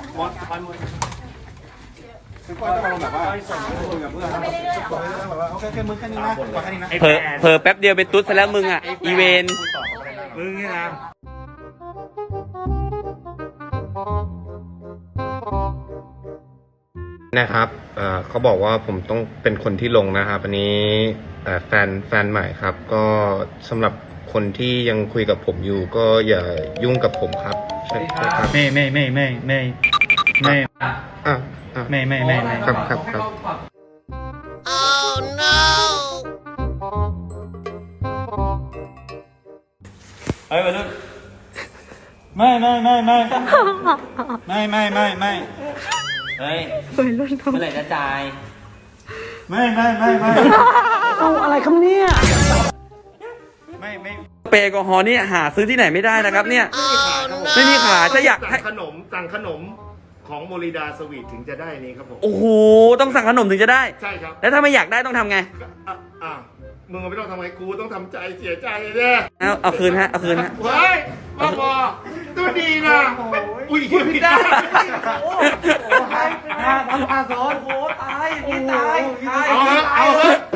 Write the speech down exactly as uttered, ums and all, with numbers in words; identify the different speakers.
Speaker 1: มอนคอนมอนคือก้อยต้องลงแบบว่าคุยกับเพื่อนแบบว่าโอเคแค่มือแค่นี้นะขอแค่นี้นะ
Speaker 2: เผลอเผลอแป๊บเดียวเป็นตุ๊ดซะแล้วมึงอ่ะอีเวน
Speaker 1: มึงนี่นะ
Speaker 3: นะครับเอ่อเขาบอกว่าผมต้องเป็นคนที่ลงนะครับอันนี้เอ่อแฟนแฟนใหม่ครับก็สำหรับคนที่ยังคุยกับผมอยู่ก็อย่ายุ่งกับผมครับใช่ครับ
Speaker 4: ไม่ไม่ไม่ไม่ไม่ไม่
Speaker 3: อ่ะอ่ะ
Speaker 4: ไม่ไม่ไม่ไม่
Speaker 3: ครับครับครับ
Speaker 4: เฮ้ยวัยรุ่นไม่ไม่ไม่ไม่ไม่ไม่ไม่ไม่
Speaker 2: เฮ้ย
Speaker 5: วัยรุ่นทำ
Speaker 2: เมื่อไหร่จะจ่าย
Speaker 4: ไม่ไม่ไม่ไม่
Speaker 5: เอาอะไรครับเนี่ย
Speaker 4: ไม่ไม่
Speaker 2: เปรย์แอลกอฮอล์นี่หาซื้อที่ไหนไม่ได้นะครับเนี่ยไม่มีขายถ้าอยากให้
Speaker 6: สั่งขนมสั่งขนมของโมริดาสวีทถึงจะได้นี้ครับผม
Speaker 2: โอ้โหต้องสั่งขนมถึงจะได้
Speaker 6: ใช่ครับ
Speaker 2: แล้วถ้าไม่อยากได้ต้องทำไง
Speaker 6: อ่ะอ่ะมึงไม่ต้องทำไงกูต้องทำใจเสียใจเนี่ย
Speaker 2: เอาเอาคืนฮะเอาคืนฮะ
Speaker 6: เฮ้ยบ้าบอตัวดีนะอุ้ยผิดได้
Speaker 4: ห้าพันห้าสองโอ้ตายอย่างนี้ตาย
Speaker 6: เอาเถอะเอาเถอะ